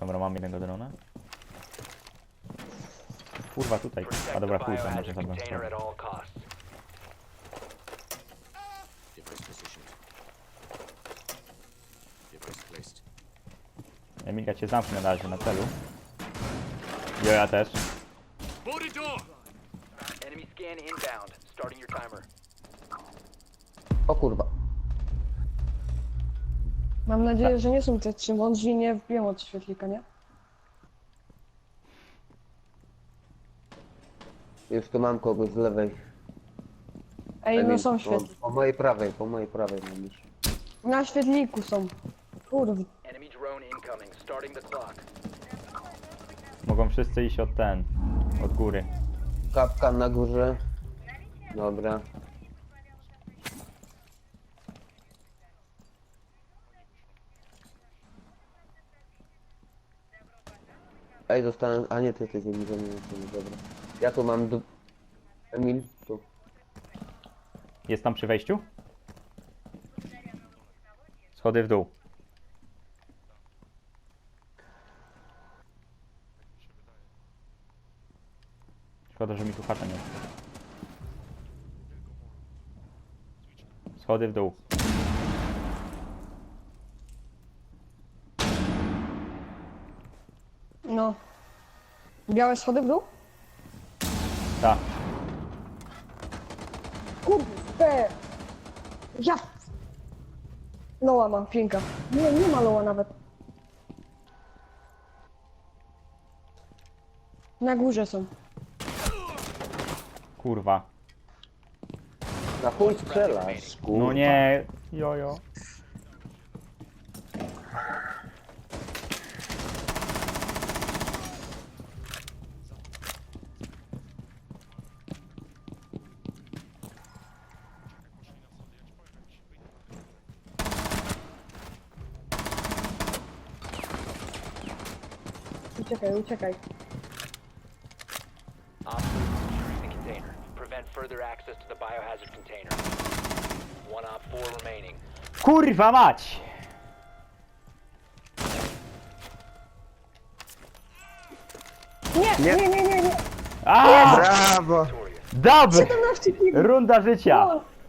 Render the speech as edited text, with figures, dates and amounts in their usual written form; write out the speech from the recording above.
Dobra, mam jednego drona. Kurwa, tutaj. A dobra, chuj, tam może zabrać. Emilka cię zamknę na razie na celu. Jo, ja też. O kurwa. Mam nadzieję, że nie są te trzy mądrzy i nie wbiją od świetlika, nie? Już tu mam kogoś z lewej. Ej, no są po, świetli. po mojej prawej mam już. Na świetliku są. Kurwa. Mogą wszyscy iść od od góry. Kapkan na górze. Dobra. Ej, zostałem... A nie, ty jesteś Emil, dobra. Ja tu mam... Emil, tu. Jest tam przy wejściu? Schody w dół. Szkoda, że mi tu chata nie ma. Schody w dół. No. Białe schody w dół? Tak. Kurde! Ja! Loła mam, pinka. Nie ma loła nawet. Na górze są. Kurwa. Na chuj strzelasz, kurwa. No nie. Jojo. Uciekaj, uciekaj. Kurwa mać! Nie. A! Brawo! Dub! 17 kg. Runda życia! No.